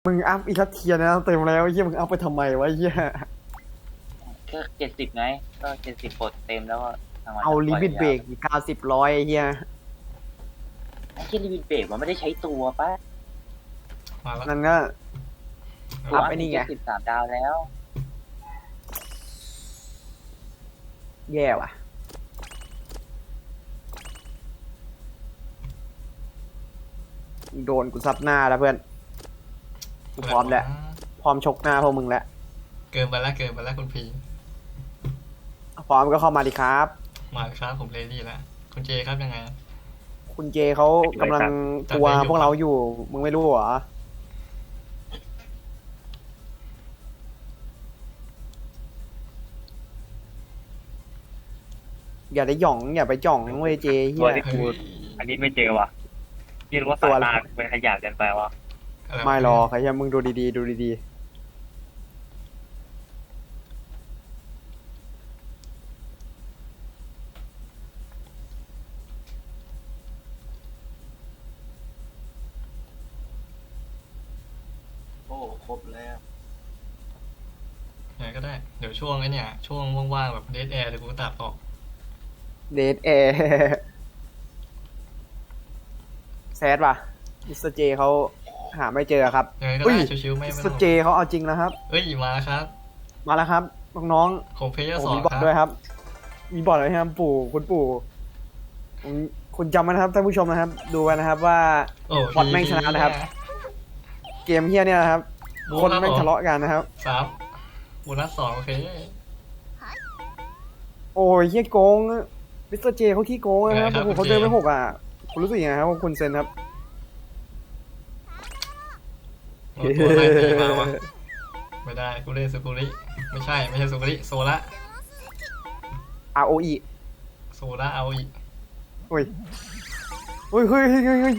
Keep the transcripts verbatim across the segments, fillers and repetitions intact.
มึงอัพอีกสักเทียนะเต็มแล้วไอ้เหี้ยมึงอัพไปทำไมวะไอ้เหี้ยก็เจ็ดสิบไงก็เจ็ดสิบกดเต็มแล้วก็ทางวันเอาลิมิตเบรกเก้าสิบร้อยไอ้เหี้ยไอ้ที่ลิมิตเบรกมันไม่ได้ใช้ตัวปะมาแล้วนั่นก็อัพไอ้นี่ไงสิบสามดาวแล้วแย่ว่ะโดนกูซับหน้าแล้วเพื่อนกูพร้อมแล้วพร้อมชกหน้าพวกมึงแล้วเกินไปแล้วเกินไปแล้วคุณพีพร้อมก็เข้ามาดิครับมาครับผมเรดี้แล้วคุณเจครับยังไงคุณเจเขากำลังกลัวพวกเราอยู่มึงไม่รู้เหรออย่าได้หย่องอย่าไปจ่องเว้ยเจเฮียอันนี้ไม่เจอว่ะพี่รู้ว่าสายตาเป็นขยะกันไปวะไม่หรอกใครยังมึงดูดีๆดูดีโอ้ครบแล้วไงก็ได้เดี๋ยวช่วงไอ้นี่ช่วงว่างๆแบบเดทแอร์เดี๋ยวกูตัดออกเดทแอร์แซดว่ะมิสเตอร์เจเขาหาไม่เจอครับยังไงก็ได้ชิวๆไม่มิสเตอร์เจเขาเอาจริงแล้วครับเอ้ยมาครับมาแล้วครับน้องๆของเพย์สองมีบอทด้วยครับมีบอทอะไรครับปู่คุณปู่คุณจำไว้นะครับท่านผู้ชมนะครับดูไว้นะครับว่าบอทแม่งชนะนะครับเกมเฮียเนี่ยนะครับคนแม่งทะเลาะกันนะครับสามโบนัสสองโอเคโอ้ยเฮียโกงมิสเตอร์เจเขาขี้โกงนะครับเขาเดินไปหกอ่ะคุณรู้สึกยังไงครับคุณเซนครับตัวอะไรตีมาวะไม่ได้กูเล่นสุกุริไม่ใช่ไม่ใช่สุกุริโซละอาร์ โอ อีโซละเอาอีเฮ้ยเฮ้ยเฮ้ยเฮ้ยเฮ้ย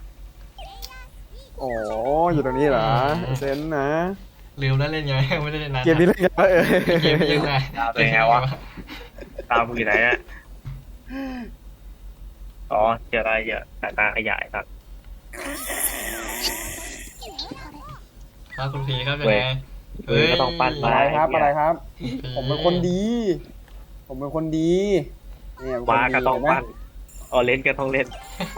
อ๋ออยู่ตรงนี้เหรอเซนนะลืมแล้วเล่นไงไม่ได้เล่นนานเกมนี้เล่นไงเออเกมยังไงเป็นไงวะตามอยู่ไหนอ่ะอ๋อเจออะไรเยอะสายตาขยายครับครับคุณพีครับยังไงเฮ้ยก็ต้องปั้นอะไรครับอะไรครับผมเป็นคนดีผมเป็นคนดีเนี่ยมาก็ต้องปั้นอ๋อเล่นก็ต้องเล่น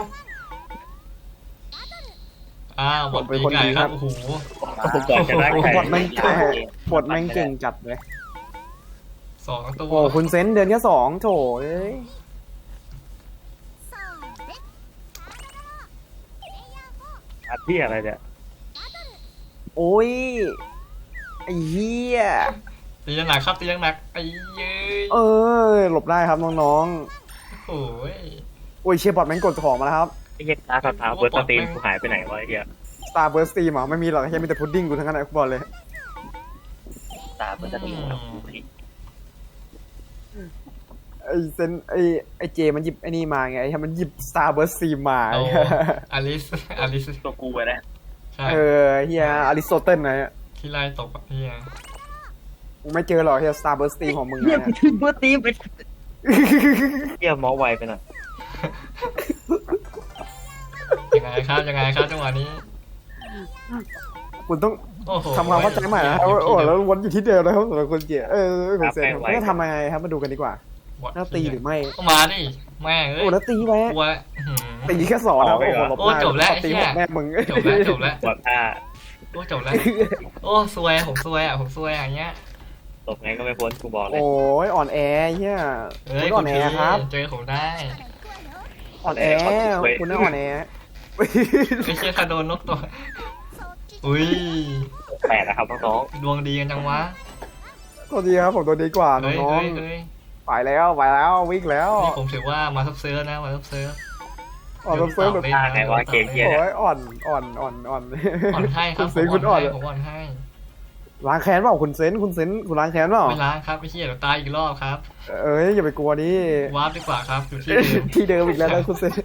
อ้าวบทเป็นคนดีครับโอ้โหก่อนจะได้บทแม่งบทแม่งเก่งจัดเลยสองตัวโอ้คุณเซนเดือนแค่สองโถเอ้ยอาที่อะไรเนี่ยโอ้ยไอ้เหี้ยตียังหนักครับตียังหนักไอ้เย้ยเออหลบได้ครับน้องๆโอ้ยโอ้ยเชียร์บอทแม่งกดของมาแล้วครับไอ้เหี้ยตาสตาร์เบิร์ดสตรีมกูหายไปไหนวะไอ้เหี้ยสตาร์เบิร์ดสตรีมอ่ะไม่มีหรอกแค่มีแต่พุดดิ้งกูทั้งนั้นไอ้บอลเลยตาเบิร์ดสตรีมไอ้เซนไอ้ไอ้เจมันหยิบไอ้นี่มาไงไอ้มันหยิบสตาร์เบิร์ดสตรีมมาอลิสอลิสตัวกูไปแล้วเออเฮียอริสโตเติลนะที่ไล่ตกเฮียมึงไม่เจอหรอกเฮียสตาร์เบิร์ดสตรีมของมึงเฮียกูถึงเบิร์ดสตรีมไปเฮียมอไวไปหน่อยยังไงครับยังไงครับจังหวะนี้คุณต้องทำความเข้าใจใหม่นะโอ้แล้ววนอยู่ที่เดิมนะครับสำหรับคนเจี๋ยเออคุณเซนไม่ทำยังไงครับมาดูกันดีกว่าน่าตีหรือไม่มาดิแม่เอ้ยโอ้แล้วตีไปตีแค่สอนนะโอ้จบแล้วตีแม่มึงจบแล้วจบแล้วจบแล้วโอ้จบแล้วโอ้ซวยผมซวยอ่ะผมซวยอย่างเงี้ยตกไงก็ไม่พ้นกูบอกเลยโอ้ยอ่อนแอเฮียคุณอ่อนแอครับเจอผมได้อ่อนแอคุณน่าอ่อนแอไม่ใช่ถ้าโดนนกตัวอุ้ยแปลกนะครับน้องดวงดีกันจังวะตัวดีครับผมตัวดีกว่าน้องไปแล้วไปแล้ววิ่งแล้วนี่ผมถือว่ามาซับเซิร์ฟนะมาซับเซิร์ฟอ่อนซับเซิร์ฟแบบไงว่าเกมเหี้ยโอ้ยอ่อนอ่อนอ่อนอ่อนอ่อนให้ครับคุณอ่อนผมอ่อนให้ล้างแค้นเปล่าคุณเซนคุณเซนคุณล้างแค้นเปล่าไม่ล้างครับไม่เชี่ยเดี๋ยวตายอีกรอบครับเอ้ยอย่าไปกลัวดิวาร์ปดีกว่าครับอยู่ที่เดิมที่เดิมอีกแล้วนะคุณเซน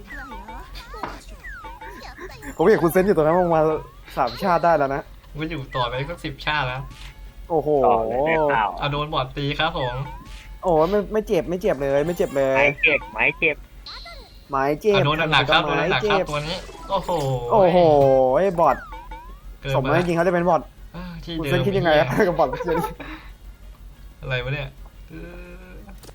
ผมเห็นคุณเซนอยู่ตรงนั้นมาสามชาติได้แล้วนะว่าอยู่ต่อไปก็สิบชาติแล้วโอ้โหเอาโดนบอดตีครับผมโอ้ไม่ไม่เจ็บไม่เจ็บเลยไม่เจ็บเลยไม่เจ็บไม่เจ็บไม้เจ็บโดนหนักครับโดนหนักครับตัวนี้โอ้โหโอ้โหไอ้บอทเกินสมไปแล้วจริงๆเขาจะเป็นบอทเออที่คุณเดิเซนมคิดยังไงอะกับบอทเซนอะไรวะเนี่ยเออ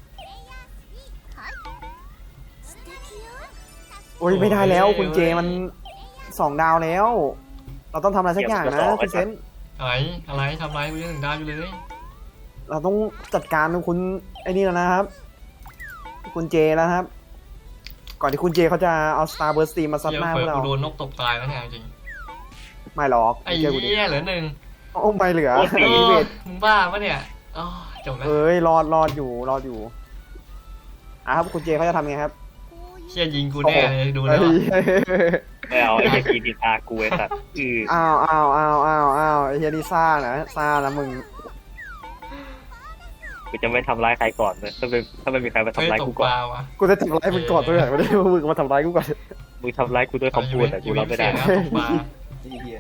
โอ้ยไม่ได้แล้วคุณเจมันสองดาวแล้ว เราต้องทำอะไรสักอย่างนะคุณเซนอะไรอะไรทำไรกูยังถึงดาวอยู่เลยเราต้องจัดการคุณไอ้นี่แล้วนะครับ คุณเจแล้วครับ ก่อนที่คุณเจเขาจะเอา Star Burst Steam มาซัดเหี้ยหน้าพเผื่วอกเรากูโดนนกตกตายแล้วเนี่ยจริงไม่หรอกไอ้เชื่อกูดิเหี้ยเหลือหนึ่งโอ้ไม่เหลือเออีอเวทมึงบ้าปะเนี่ยอ๋อจบแล้วเอ้ยรอดรอดอยู่รอดอยู่อ่ะครับคุณเจเขาจะทำไงครับเชี่ยยิงกูแน่เลยดูแล้วเฮ้ยไม่เอาไอ้เหี้ยกีดินอากูไอ้สัตว์อืออ้าวอ้าวอ้าวอ้าวอ้าวไอ้เฮียนี่ซ่านะซ่านะมึงกูจะไม่ทำร้ายใครก่อนเลยถ้าไม่ถ้าไม่มีใครมาเฮ้ยทำร้ายตกูกก่ปอนลาวะกูจะทำร้ายมึงก่อนตัวไหนไม่ได้มึงมาทำร้ายกูก่อนมึงทำร้ายกูด้วยคำพูดแต่กูรับไม่ได้นะตกปลาที่เฮีย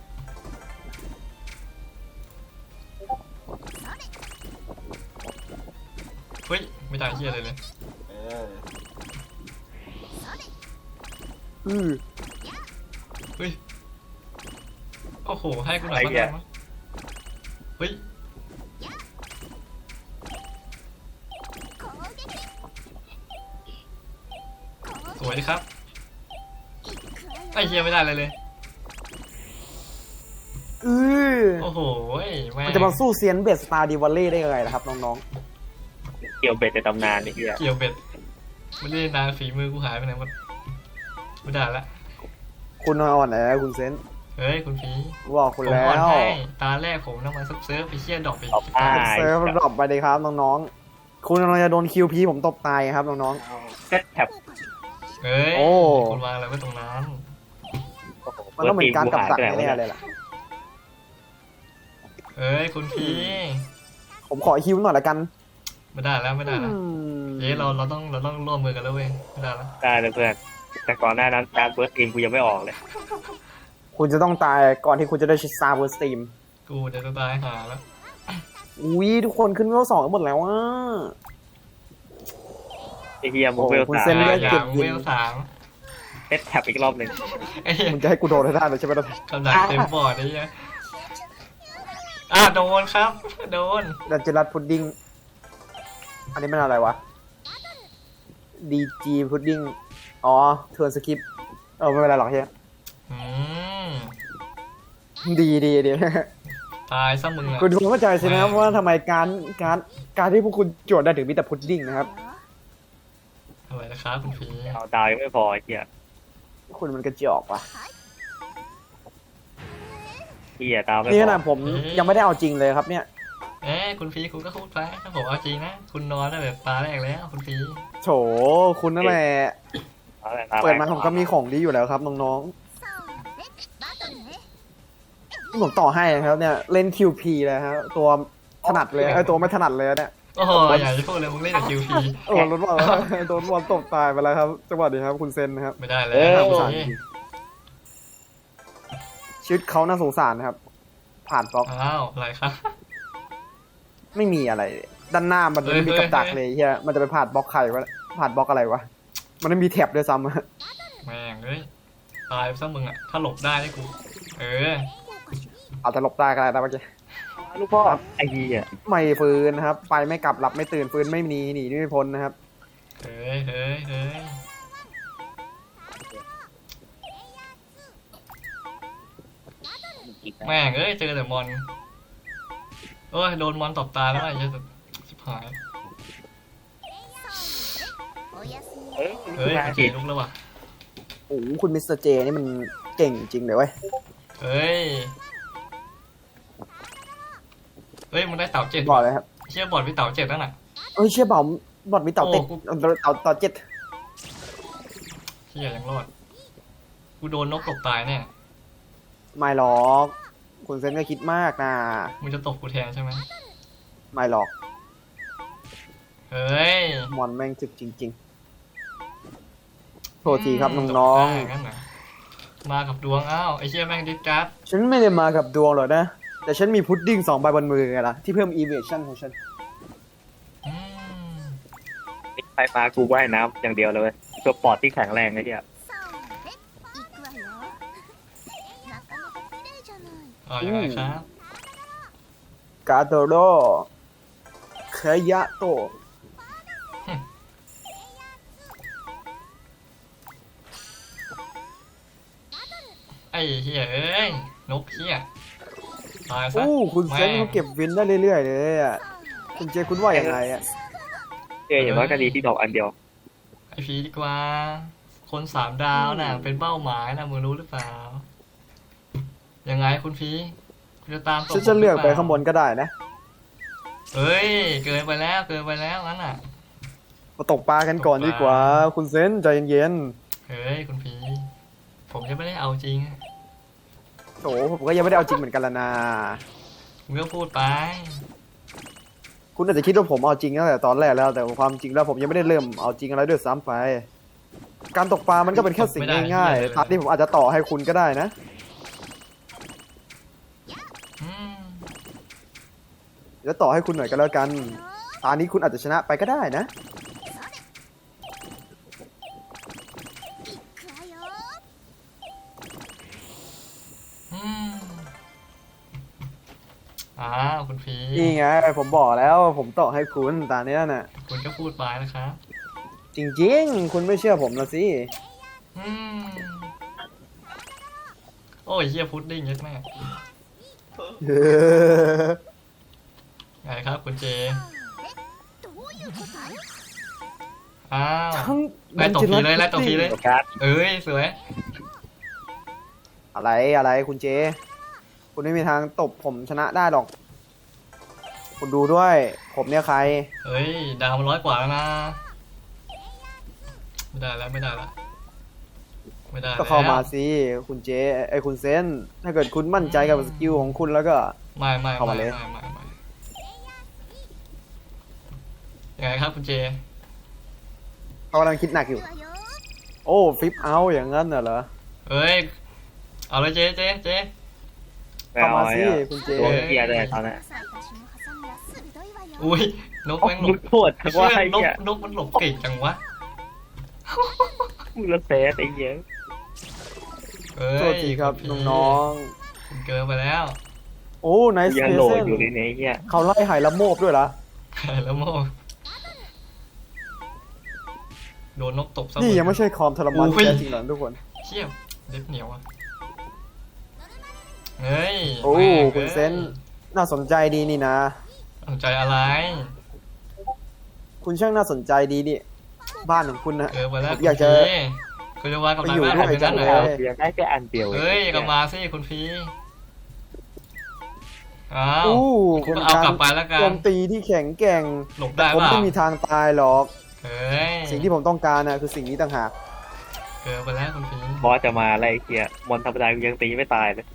เฮ้ยไม่ได้เชี่ยเลยเลยเอออือเฮ้ยโอ้โหให้กูหน่อยบ้างได้ไหมเฮ้ยสวยดีครับไอ้เชี่ยไม่ได้เลยเลยอือโอ้โหแม่งมันจะมาสู้เซียนเบสสตาร์ดิวัลเล่ได้ยังไงล่ะครับน้องเกี่ยวเบ็ดในตำนานไอ้เหี้ยเกี่ยวเบ็ดไม่ได้นานฝีมือกูหายไปไหนหมดไม่ได้ละๆคุณอ่อนแอคุณเซนเฮ้ยคุณผีบอกคุณผมแล้อ่อนวให้ตาแรกผมต้องมาซับเซิร์ฟไปเชี่ยดอกไปตอบอ้าเซิร์ฟดรอปไปเลยครับน้องๆคุณกำลังจะโดนคิวพีผมตบตายครับน้องเอาเซ็ตแท็บเฮ้ยโอ้คุณวางอะไรไว้ตรงนั้นๆมันก็เหมือนการกำจัดแน่ๆเลยล่ะเฮ้ยคุณผีผมขอฮิวหน่อยละกันไม่ได้แล้วไม่ได้แล้วอืมเย้เราเราต้องเราต้องร่วมมือกันแล้วเว้ยไม่ได้แล้วได้เลยเพื่อนแต่ก่อนหน้านั้นการเบิร์ดทีมกูยังไม่ออกเลยคุณจะต้องตายก่อนที่คุณจะได้ชิซาเวอร์สตีมกูจะตายหาแล้วอุ้ยทุกคนขึ้นเวลสองกันหมดแล้วอ่ะไอ้เฮียมึงเวลโอ้คุณสาเซ็นมเลืออดย่าเก็งบยิงเวลสามเซ็ตแท็บอีกรอบหนึ่งไอ้เหี้ยคุณจะให้กูโดนให้ได้เลยใช่ไหมล่ะกำลังเต็มบอร์ดไอ้เหี้ยอ่ะโดนครับโดนดันเจลัดพุดดิ้งอันนี้มันอะไรวะดีจีพุดดิ้งอ๋อเทิร์นสกิปเออไม่เป็นไรหรอกเฮียอืมดีดีดีตายซะมึงอะคุณคงเข้าใจใช่ไหมครับว่าทำไมการการการที่พวกคุณโจทย์ได้ถึงมีแต่พุดดิ้งนะครับอะไรนะครับคุณผีเอาดาวยังไม่พอไอ้เฮียคุณมันกระจอกว่ะเฮียดาวไม่นี่พขอนาดผมยังไม่ได้เอาจริงเลยครับเนี่ยเอ้คุณผีคุณก็พูดไปถ้าผมเอาจริงนะคุณนอนตั้งแต่ตาแรกแล้วคุณผีโถคุณนั่นแหละเอาแต่ตาแรกเปิดมาผมก็มีของดีอยู่แล้วครับน้องๆผมต่อให้นะครับเนี่ยเล่น คิว พี เลยครับตัวถนัดเลยไอ้ยตัวไม่ถนัดเลยเนี่ยโอ้โหอย่าจะพูดเลยมึงเล่นกับคิวพีโอ้รถบอลโดนบอลตบตายไปแล้วครับจังหวะนี้ครับคุณเซนนะครับไม่ได้เลยน่าสงโอ้สารยจริงชีวิตเขาน่าสงสารนะครับ ผ่านบล็อกอ้าวอะไรครับไม่มีอะไร ด้านหน้ามันไม่มีกับดักเลยเฮียมันจะไปผ่านบล็อกใครวะผ่านบล็อกอะไรวะมันไม่มีแท็บด้วยซ้ำอะแม่งเอ้ยตายซะมึงอะถ้าหลบได้ได้กู เอออาจจะหลบได้ก็ได้นะเมื่อกี้ลูกพ่อไอ้เฮียไม่ฟื้นนะครับ ไปไม่กลับหลับไม่ตื่นฟื้นไม่หนีหนีไม่พ้นนะครับเฮ้ยเฮ้ยเฮ้ยอีกนะแม่งเอ้ยเจอแต่มอนโอ้ยโดนมอนตบตาแล้วไอ้เหี้ยชิบหายเฮ้ยเฮ้ยมาโอเคผิดลุกแล้วว่ะโอ้โหคุณมิสเตอร์เจนี่มันเก่งจริงเลยเว้ยเฮ้ยเฮ้ยมึงได้เต่าเจ็ดบอกเลยครับเชี่ยบอดพี่เต่าเจ็ดแล้วน่ะเอ้ยเชี่ยเบาบอดมีเต่าเต็ดโอ้กูเต่าเต่าเจ็ดเชี่ยยังรอดกูโดนนกตบตายแน่ไม่หรอก คุณเซนก็คิดมากนะมึงจะตบกูแทนใช่ไหมไม่หรอกเฮ้ยมอนแม่งจึกจริงๆโทษทีครับน้องตบได้งั้นเหรอมากับดวงอ้าวไอ้เชี่ยแม่งดิสการ์ดๆฉันไม่ได้มากับดวงหรอกนะ แต่ฉันมีพุดดิ้งสองใบบนมือไงล่ะ ที่เพิ่มอีเวชั่นของฉันอืมไฟฟ้ากูว่ายน้ำอย่างเดียวเลยเว้ยตัวปอดที่แข็งแรงไอ้เฮียอ๋อยังไงครับกาโตโรเคยะโตะไอ้เหี้ยเอ้ยนกเหี้ยตายซะโอ้คุณเซนเขาเก็บวินได้เรื่อยๆเลยอ่ะคุณเจคุณว่าอย่างไรอ่ะเจออย่างน้อยก็ดีที่ดอกอันเดียวไอพีดีกว่า คนสามดาวน่ะเป็นเป้าหมายนะมึงรู้หรือเปล่า ยังไงคุณพีคุณจะตามตฉันจะเลือกไปข้างบนก็ได้นะเฮ้ยเกินไปแล้วเกินไปแล้วงั้นอ่ะมาตกปลากันก่อนดีกว่า คุณเซนใจเย็นเฮ้ยคุณพีผมจะไม่ได้เอาจริงๆโถผมก็ยังไม่ได้เอาจริงเหมือนกันละนะคุณก็พูดไปคุณอาจจะคิดว่าผมเอาจริงตั้งแต่ตอนแรกแล้วแต่ความจริงแล้วผมยังไม่ได้เริ่มเอาจริงอะไรด้วยซ้ำไป การตกปลามันก็เป็นแค่สิ่งง่ายๆตามที่ผมอาจจะต่อให้คุณก็ได้นะอืมแล้วต่อให้คุณหน่อยก็แล้วกันตอนนี้คุณอาจจะชนะไปก็ได้นะอืมอ้าวคุณพีนี่ไงผมบอกแล้วผมต่อให้คุณตอนนี้น่ะคุณก็พูดไปนะครับจริงๆ คุณไม่เชื่อผมละสิอืมโอ้ยเฮียพุดดิ้งเยอะมากไงครับคุณเจอ้าวทั้งไล่ตบทีเลยไล่ตบทีเลยโอกาสเอ้ยสวยอะไรอะไรคุณเจ คุณไม่มีทางตบผมชนะได้หรอก คุณดูด้วย ผมเนี่ยใครเฮ้ยดาวมันร้อยกว่าแล้วนะไม่ได้แล้วไม่ได้แล้วไม่ได้แล้วก็เข้ามาสิคุณเจไอยคุณเซน ถ้าเกิดคุณมั่นใจกับสกิลของคุณแล้วก็ไม่ไม่เข้าไม่มาเลยไม่ไม่ไม่ยังไงครับคุณเจเขากำลังคิดหนักอยู่ โอ้ฟลิปเอาอย่างนั้นน่ะเหรอเอ้ยเอาเลยเจเจเจเข้ามาสิไม่อคุณเจตัวเกียร์เลยตอนนั้นอุ้ยนกโอ้แม่งหลลูบกโทษเชื่ว่าอไอ้นกเหี้ยนกมันหลบเก่งจังวะมึงละเซสไอ้เหี้ยเอ้ยโทษทีครับคุณพี่น้องคุณเกินไปแล้วๆ โอ้ไนส์ยังเพโหลเซดนอยู่ในนี้ไอ้เหี้ยเขาไล่ไหละโมบด้วยละแล้วโมโดนนกตบซะนี่ยังไม่ใช่ความทรมานอุ้ยแท้จริงหรอกทุกคนเชี่ยเล็บเหนียวอ่ะเฮ้ยโอ้แม่งคุณเซน น่าสนใจดีนี่นะสนใจอะไรคุณช่างน่าสนใจดีดิบ้านของคุณนะเกินไปแล้วผมอยากจะคุณพี่คุณจะวางกับไปนายอยู่บ้านด้วยผมอย่างนั้นเหรจัองเลยเสียงได้แค่อันเดียวเฮ้ยก็มาสิคุณพี่อ้าวอู้คุเป็ณนเอาการกลับไปแล้วกันโจมตีที่แข็งแกร่งหลบแต่ได้ผมป่ะไม่มีทางตายหรอกเฮ้ยสิ่งที่ผมต้องการนะคือสิ่งนี้ต่างหากเกินไปแล้วคุณพี่บอสจะมาอะไรไอ้เหี้ยมอนธรรมดากูยังตีไม่ตายเลย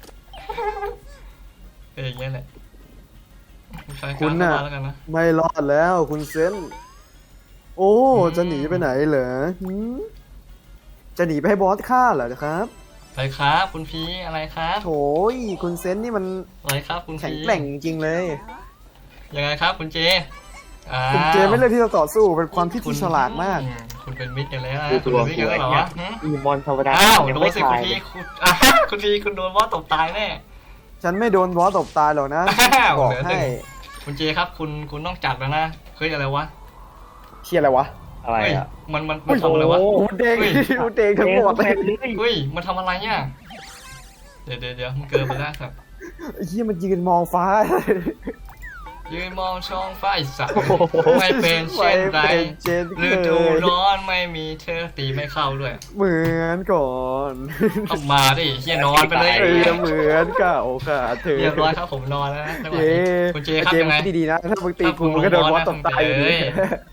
เป็นอย่างเงี้ยแหละคุณใช้คุการณเข้าน่ะมาแล้วกันนะไม่รอดแล้วคุณเซน โอ้อืมจะหนีไปไหนเหรอหืมจะหนีไปให้บอสฆ่าเหรอครับอะไรครับคุณพี่อะไรครับโถยคุณเซนนี่มันอะไรครับคุณแข็งพี่แกร่งจริงๆเลยยังไงครับคุณเจอ้าวคุณเจไม่เลือกที่จะต่อสู้เป็นความคิดคุณที่ฉลาดมากอืคุณเป็นมิตรกันแล้วนะดูคุณตัวเป็นมิตรกูกันแล้วไอ้เหรอเหี้ยวะหืมอีมอนธรรมดาอ้าวยังโดนไม่สิตาคุณยเลพี่ยคุณอ่ะคุณพี่คุณโดนว่าตบตายแน่ฉันไม่โดนบอสตบตายหรอกนะอ้าวบอกเหลือหนึ่ให้ง คุณเจครับคุณคุณต้องจัดแล้วนะเฮ้ยอะไรวะเชียอะไรวะอะไรเฮ้ยอ่ะมันมันมันทำอะไรวะอูเด้งเฮ้ยอูเด้งทั้งหมดเลยเลยเฮ้ยมันทำอะไรเนี่ยเดี๋ยวเดี๋ยวเดี๋ยวมันเกินไปแล้วครับไอ้เหี้ยมันยืนมองฟ้ายืนมองช่องฟ้าไอ้สัตว์ไม่เป็นเช่นไรไม่เป็นเช่นเคยฤดูร้อนไม่มีเธอตีไม่เข้าด้วยเหมือนก่อนต้องมาดิเฮียนอนไปเลยเออเหมือนเก่าค่ะเธอเรียบร้อยครับผมนอนแล้วนะจังหวะเย้นี้คุณเจครับเจมยังไงส์ดีๆนะ ถ้ามึงตีถ้ากูมึงก็โดนบอสตบตายอยู่ดีเอ้ย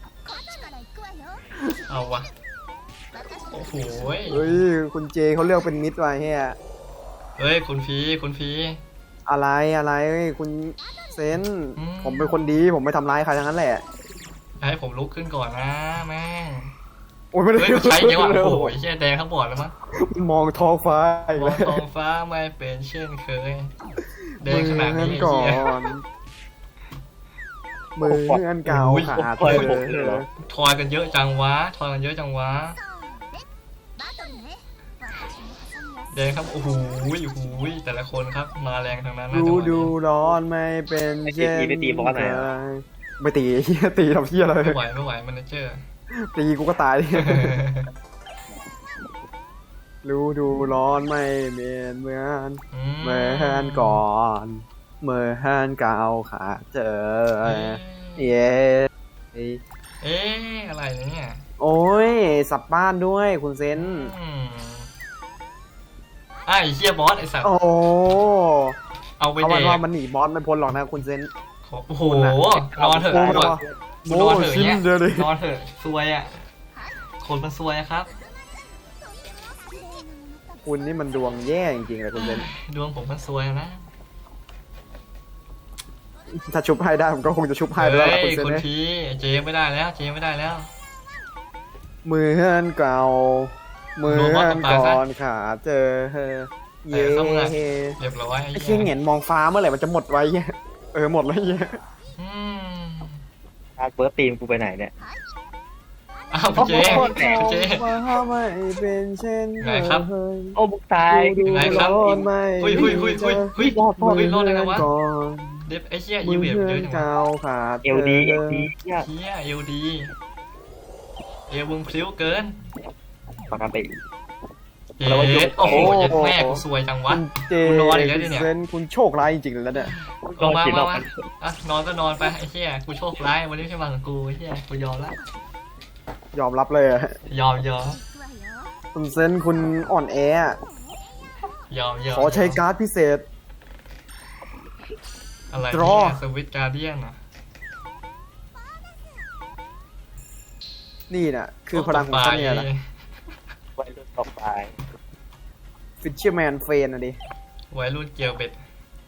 เอาวะโอ้โหยเฮ้ย คุณเจเขาเลือกเป็นมิดไว้เฮียเฮ้ยคุณพีคุณพีอะไรอะไรเฮ้ยคุณเซนอืมผมเป็นคนดีผมไม่ทำร้ายใครทั้งนั้นแหละให้ผมลุกขึ้นก่อนนะแม่งโอ้ยไม่ได้เฮ้ยมันใช้ยังวะโอ้โหเชี่ยแดงข้างบอดแล้วมั้งมันมองท้องฟ้าอีกมอแล้งวท้องฟ้าไม่เป็นเช่นเคยแดงขมืนาดอนี้อันไอ้ก่อเหี้ยนมืออันเก่าขาดปล่อยเลผมเลยเหรอยทอยกันเยอะจังวะทอยกันเยอะจังวะแดงครับโอ้โหโอ้โหแต่ละคนครับมาแรงทางนั้นนะดูจังหวะดูนี้ร้อนไม่เป็นเช่นไม่ตีเฮียตีทำเฮียเลยไม่ไหวไม่ไหวมันเจอร์ตีกูก็ตายดิรู้ดูร้อนไม่เหมือนเหมือนเหมือนก่อนเหมือนเก่าขาเจอเย้เอ๊ะอะไรเนี่ยโอ้ยสับบ้านด้วยคุณเซนอืมอ่ะไอ้เฮียบอสไอ้สัตว์โอ้เอาไปเอาเด็วันกว่ามันหนีบอสไม่พ้นหรอกนะคุณเซนโอ้โหนอนเถอะโอ้นโหอนโอ้นอนโหเถอะชิ้นเนี่ยเดียวเลยนอนเถอะซวยอ่ะคนมันซวยอะครับคุณนี่มันดวงแย่จริงๆเลยคุณเซนดวงผมมันซวยนะถ้าชุบให้ได้ผมก็คงจะชุบให้ด้วยเฮ้ละคุณยเซนคนเนี่ยทีเจไม่ได้แล้วเจไม่ได้แล้วมือเฮือนเก่ามือเฮือนก่อนขาเจอเย่เรียบร้อยไอ้เชี่ยเหงียนมองฟ้าเมื่อไหร่มันจะหมดไว้เนี่ยเออหมดแล้วเนี่ยอืมอาร์ตเบิร์ตตีมกูไปไหนเนี่ยอ้าวเจเจว่าไม่เป็นเช่นไงครับโอ้บุกตายไงครับไม่หุยหุยหุยหุยหุยรอดหุยรอดได้ไงวะก่อนเด็บไอ้เชี่ยมืยูอเวียเฮืเยออะนจังวะเก่าขาเอลดีเอลดีเฮียเชี่ยเอวดีเอวมึงพลิ้วเกินปกติเย็ดโอ้โหเย็ดแม่กูซวยจังวะคุณเจกูนอนอีกแล้วดิเนี่ยเซนคุณโชคร้ายจริงๆเลยแล้วเนี่ยลงมามามาอ่ะนอนก็นอนไปไอ้เชี่ยกูโชคร้ายวันนี้ไม่ใช่วันของกูไอ้เชี่ยกูยอมละยอมรับเลยอะยอมยอมคุณเซนคุณอ่อนแออะยอมยอมขอใช้การ์ดพิเศษอะไร draw เนี่ยสวิตการ์เดียนอ่ะนี่น่ะ คือพลังของฉันเนี่ยแหละไว้รุ่นต่อไปฟิชเชอร์แมนเฟนอะดิวัยรุ่นเกียวเบ็ด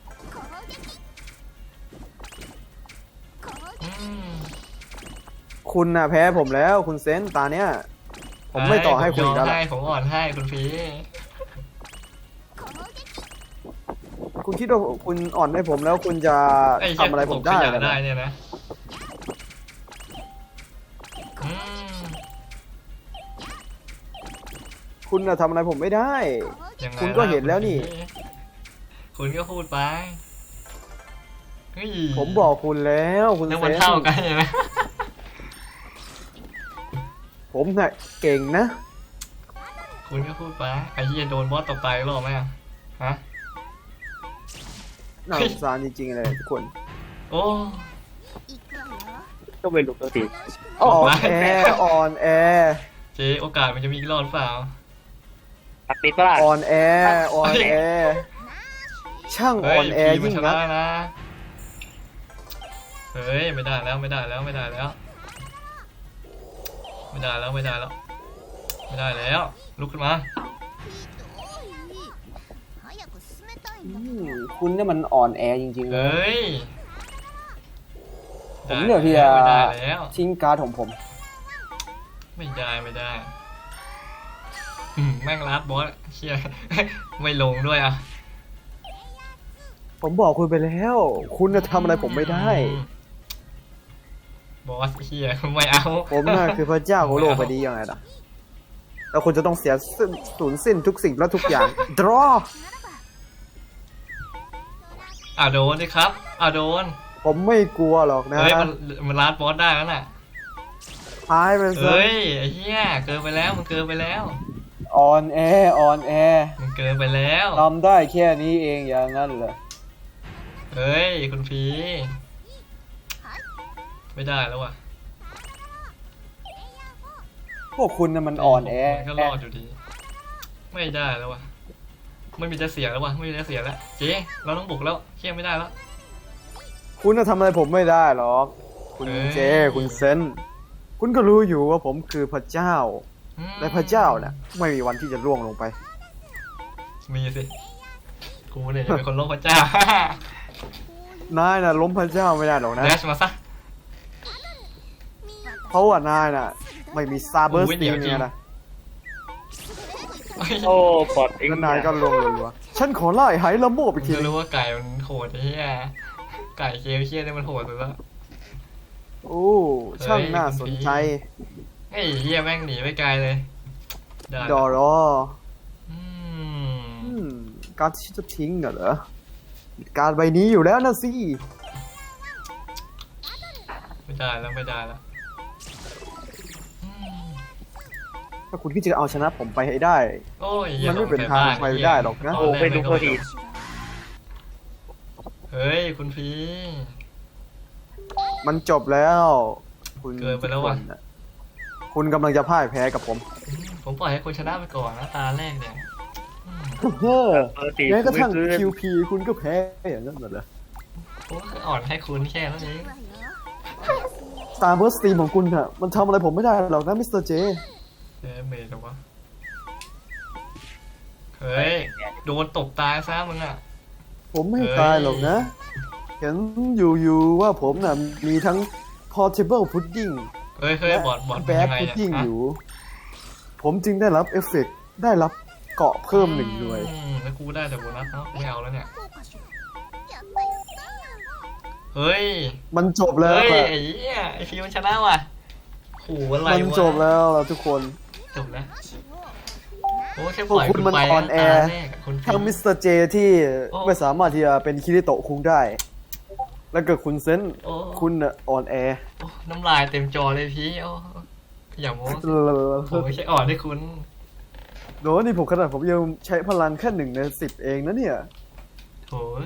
อืมคุณน่ะแพ้ผมแล้วคุณเซนตาเนี้ย ผมไม่ต่อให้คุณอีกแล้วผมยอมล่ะให้ผมอ่อนให้คุณพีคุณคิดว่าคุณอ่อนให้ผมแล้วคุณจะไอ้ทำอะไรผมได้ขเหรยัอนได้เนี่ยนะอืมคุณน่ะทำอะไรผมไม่ได้ยังไงคุณก็เห็นแล้วนี่คุณก็พูดไปเฮ้ยผมบอกคุณแล้วคุณแล้วเซมันนเท่ากันใช่ไหมผมน่ะเก่งนะคุณก็พูดไปไอ้เหี้ยโดนบอสตบไปหรอไหมอะฮะน่าสงสารจริงๆเลยทุกคนโอ้ก็ไม่รู้ตัวทีอ่อนแออ่อนแอเจ๊โอกาสมันจะมีอีกรอบหรือเปล่าตักติดปะล่ะอ่อนแออ่อนแอ ช่างเฮ้อ่อย นแอพีมันยิ่งชนันะกนะเฮ้ยไม่ได้แล้วไม่ได้แล้วไม่ได้แล้ว ไม่ได้แล้วไม่ได้แล้ว ไม่ได้แล้วลุกขึ้นมาอืมคุณเนี่ยมันอ่อนแอจริงๆเลเฮ้ยยผมเลือกที่จะไม่ได้แล้วทิ้งการ์ดของผมไม่ได้ไม่ได้อืมแม่งลัดบอสเชี่ย ไม่ลงด้วยอ่ะผมบอกคุณไปแล้ว คุณจะทำอะไรผมไม่ได้บอสเชี่ยไม่เอาผมน่ะคือพระเจ้าของโลกใบนี้ยังไงล่ะ แล้วคุณจะต้องเสียสิ้นสูญสิ้นทุกสิ่งและทุกอย่าง draw อ่ะโดนดิครับอ่ะโดนผมไม่กลัวหรอกนะเฮ้ยมันมันลัดบอสได้แล้วน่ะหายไปซะเฮ้ยไอ้เหี้ยเกินไปแล้วมันเกินไปแล้วอ่อนแออ่อนแอมันเกินไปแล้วทำได้แค่นี้เองอย่างนั้นเหรอเฮ้ยคุณพีไม่ได้แล้วว่ะพวกคุณน่ะมันอ่อนแอมันก็รอดอยู่ดี ไม่ได้แล้วว่ะไม่มีจะเสียแล้วว่ะไม่มีจะเสียแล้วเจ๊เราต้องบุกแล้วเชี่ยไม่ได้แล้วคุณจะทำอะไรผมไม่ได้หรอก คุณเอ้ยเจ คุณเซน คุณก็รู้อยู่ว่าผมคือพระเจ้าอืมและพระเจ้าน่ะไม่มีวันที่จะร่วงลงไปมีสิกูเนี่ยจะเป็นคนโลกพระเจ้านายน่ะล้มพระเจ้าไม่ได้หรอกนะแดชมาซะเพราะว่านายน่ะ ไม่มีซาเบอร์สโอ้ยเดี๋ตียวนจริงเนี่ยนะโอ้ปอดเองแล้วนายก็ลงรัวๆฉันขอไล่ไหละโมบอีกทีจะรู้ว่าไก่มันโหดไอ้เหี้ยไก่เคลเชี่ยเนี่ยมันโหดสุดแล้วโอ้ช่างน่าสนใจไอ้เหี้ยแม่งหนีไปไกลเลยได้ดอรออืมการดที่ฉันจะทิ้งน่ะเหรอการดใบนี้อยู่แล้วนะสิไม่ได้แล้วไม่ได้แล้วอืมถ้าคุณคิดจะเอาชนะผมไปให้ได้โอ้ยมันไม่เป็นทางไปได้หรอกนะโอ้ไม่รู้พอดีเฮ้ยคุณพีมันจบแล้วคุณเกินไปแล้วว่ะทุกคนน่ะคุณกำลังจะพ่ายแพ้กับผมอืมผมปล่อยให้คุณชนะไปก่อนนะตาแรกเนี่ยอืมเฮ้อปกติแม้กระทั่งไม่ขึ้นคิว พี คุณก็แพ้อย่างนั้นเหรอผมก็อ่อนให้คุณแค่นั้นเองสตาร์เบิร์สตีมของคุณอะมันทำอะไรผมไม่ได้หรอกนะมิสเตอร์เจเอ๊ะเมย์หรอวะเฮ้ยโดนตบตายซะมึงอ่ะผมไม่เฮ้ยตายหรอกนะ เห็นอยู่ๆว่าผมน่ะมีทั้ง portable pudding เฮ้ยเฮ้ยและบอดบอดแบเป็นดยังไงพุดเนี่ยดิ้งฮะอยู่ ผมจึงได้รับเอฟเฟกต์ได้รับเกาะเพิ่มหนึ่งหน่วยอืมแล้วกูได้แต่โบนัสเนาะไม่เอาแล้วเนี่ยเฮ้ยมันจบแล้วเฮ้ยอะไอ้เหี้ยไอ้ฟิวมันชนะว่ะโหอะไรวะมันจบแล้วล่ะทุกคนจบแล้วโอ้แค่ปล่อยพวกคุณมันไปอ่อนแอตาแรกะคุณฟิทั้งวมิสเตอร์เจที่โอ้ไม่สามารถที่จะเป็นคิริโตะคุงได้ แล้วก็คุณเซนโอ้คุณน่ะอ่อนแอโอ้น้ำลายเต็มจอเลยพี่โอ้อย่าโม้ผมไม่ใช่อ่อนให้คุณโน้นี่ผมขนาดผมยังใช้พลังแค่หนึ่งในสิบเองนะเนี่ยโถย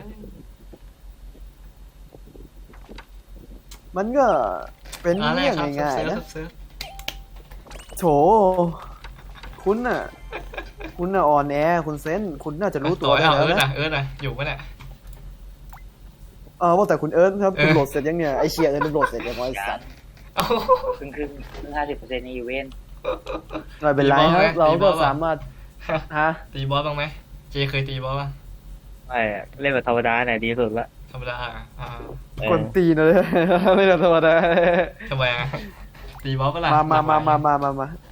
มันก็เป็นตาแรเรื่กองครับง่ายเซิร์ฟๆนะเซิร์ฟโถ คุณน่ะ คุณน่ะอ่อนแอ คุณเซน คุณน่าจะรู้ตัวต่อได้เอาแล้วเอิร์ธนะอ่ะเอิร์ธอ่ะอยู่ปะเนี่ยเออว่าแต่คุณเอิร์ธครับเออคุณโหลดเสร็จยังเนี่ย ไอเชียเนี่ยมันโหลดเสร็จยังไงไอ้สัตว์โอ้โหครึ่งครึ่งครึ่งห้าสิบเปอร์เซ็นต์ในอีเวนต์ไม่เป็นไรตีบอลคไหมรับ เราตีบก็อลป่ะสามารถ ฮะตีบอสบ้างไหมเจเคยตีบอสป่ะไม่เล่นแบบธรรมดาไหนดีสุดละธรรมดาอ่ะอ่าเออกวนตีนเลย ไม่ธรรมดาทำไมอ่ะตีบอสปะล่ะมามามามามามามา